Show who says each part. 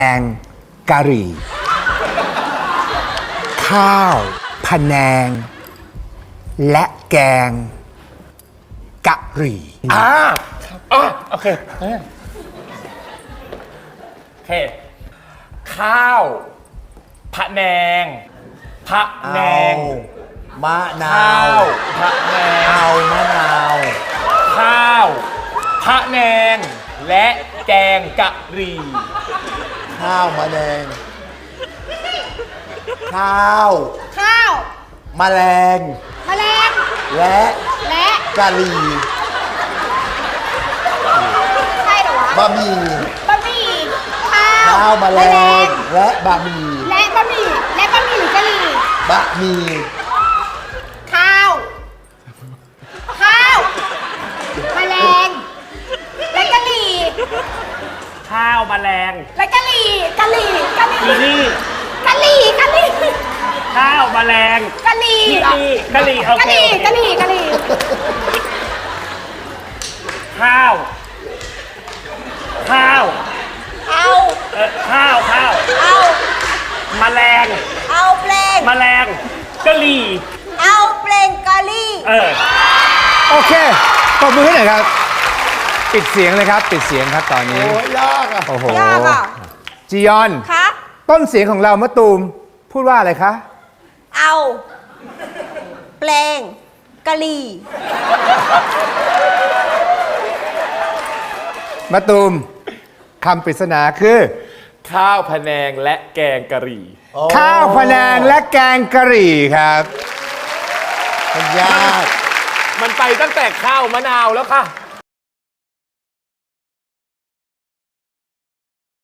Speaker 1: แกงกะหรี่ข้าวพะแนงและแกงกะหรี่
Speaker 2: โอเคข้าวพะแนงมะนาวพะแนง
Speaker 3: เอามะนาว
Speaker 2: ข้าวพะแนงและแกงกะหรี่
Speaker 3: ข้าวมะแนงข้าว แมลงและกะหรี่
Speaker 4: ใช่เหรอวะ
Speaker 3: บะหมี่
Speaker 4: ข้าว
Speaker 3: ข้าวแมลงและบะหมี่
Speaker 4: และบะหมี่หรือกะหรี่
Speaker 3: บะหมี่
Speaker 4: ข้าวแมลงและกะหรี่
Speaker 2: ข้าวแมลง
Speaker 4: และกะหรี่
Speaker 2: อีนี่
Speaker 4: กะหรี่
Speaker 2: ข้าวแมลง
Speaker 4: กะหรี่
Speaker 2: กะหรี่โอเค
Speaker 4: กะหรี่
Speaker 2: ข้าว
Speaker 4: เอา
Speaker 2: ข้าวแมลง
Speaker 4: เอาเพลง
Speaker 2: แมลงกะหรี่
Speaker 4: เอาเพลงกะหรี่
Speaker 1: โอเคปรบมือให้หน่อยครับ ปิดเสียงเลยครับ ปิดเสียงครับตอนนี้
Speaker 3: โอ้ยยากอ่ะ
Speaker 1: โอ้โห
Speaker 4: ยากอ่ะ
Speaker 1: จียอน
Speaker 4: คะ
Speaker 1: ต้นเสียงของเรามะตูมพูดว่าอะไรคะ
Speaker 4: เอาเพลงกะหรี่
Speaker 1: มะตูมคำปริศนาคือ
Speaker 2: ข้าวพะแนงและแกงกะหรี่
Speaker 1: ข้าวพะแนงและแกงกะหรี่ครับ
Speaker 3: มันยาก
Speaker 2: มันไปตั้งแต่ข้าวมะนาวแล้วค่ะ